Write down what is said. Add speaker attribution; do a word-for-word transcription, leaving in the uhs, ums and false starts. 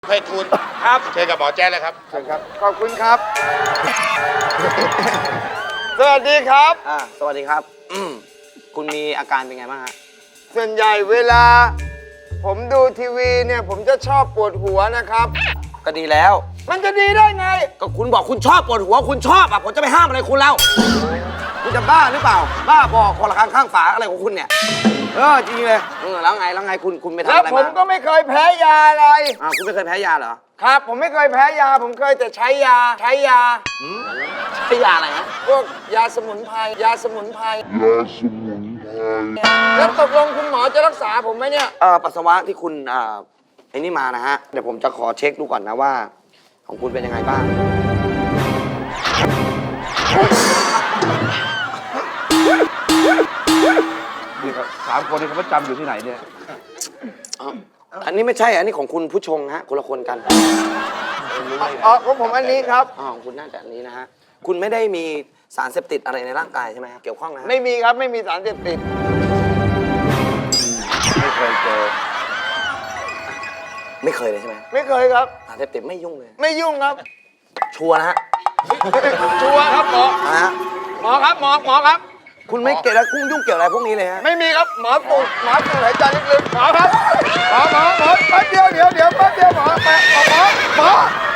Speaker 1: ไพฑูรย์ครับเชิญกับหมอแจ๊ดเลยครับ
Speaker 2: เชิญครับขอบคุณครับ สวัสดีครับ
Speaker 3: อ่าสวัสดีครับอืมคุณมีอาการเป็นไงบ้างฮะ
Speaker 2: ส่วนใหญ่เวลา ผมดูทีวีเนี่ยผมจะชอบปวดหัวนะครับ
Speaker 3: ก็ดีแล้ว
Speaker 2: มันจะดีได้ไง
Speaker 3: ก็คุณบอกคุณชอบปวดหัวคุณชอบอ่ะผมจะไปห้ามอะไรคุณแล้วคุณจะบ้าหรือเปล่า บ้าบอกคนละข้างข้างฝาอะไรของคุณเนี่ยเออจริงเลยเออแล้วไงแล้วไงคุณคุณไปทำ
Speaker 2: แล้ว
Speaker 3: อะไร
Speaker 2: ผม
Speaker 3: มา
Speaker 2: ก็ไม่เคยแพ้ยาอะไร
Speaker 3: อ่าคุณไม่เคยแพ้ยาเหรอ
Speaker 2: ครับ ผมไม่เคยแพ้ยา ผมเคยแต่ใช้ยา ใช้ยา
Speaker 3: ใช้ยาอะไรฮะ
Speaker 2: พวกยาสมุนไพร ยาสมุนไพร
Speaker 4: ยาสมุนไพร
Speaker 2: แล้วตกลงคุณหมอจะรักษาผมไหมเนี่ย
Speaker 3: เออปัสสาวะที่คุณอ่าไอ้นี่มานะฮะเดี๋ยวผมจะขอเช็คดูก่อนนะว่า ของคุณเป็นยังไงบ้าง
Speaker 5: นี่ครับสามคนนี้เขาประจำอยู่ที่ไหนเนี่ย
Speaker 3: อันนี้ไม่ใช่อันนี้ของคุณผู้ชงฮะคนละคนกัน
Speaker 2: อ๋อของผมอันนี้ครับ
Speaker 3: อ๋อของคุณน่าจะอันนี้นะฮะคุณไม่ได้มีสารเสพติดอะไรในร่างกายใช่ไหมครับเกี่ยวข้องนะฮะ
Speaker 2: ไม่มีครับ ไม่มีสารเสพติด
Speaker 5: ไม่เคยเจอ
Speaker 3: ไม่เคยเลยใช่ไหม
Speaker 2: ไม่เคยครับ
Speaker 3: สารเสพติดไม่ยุ่งเลย
Speaker 2: ไม่ยุ่งครับ
Speaker 3: ชัวร์นะฮะ
Speaker 2: ชัวร์ครับหมอ
Speaker 3: นะฮะ
Speaker 2: หมอครับหมอหมอครับ
Speaker 3: คุณไม่เกี่ยวแล้วคุณยุ่งเกี่ยวอะไรพวกนี้เลยฮะ
Speaker 2: ไม่มีครับหมอสูดหมอสูดหายใจลึกๆหมอครับหมอหมอหมอแป๊บเดียวเดี๋ยวเดี๋ยวแป๊บเดียวหมอแป๊บหมอหมอ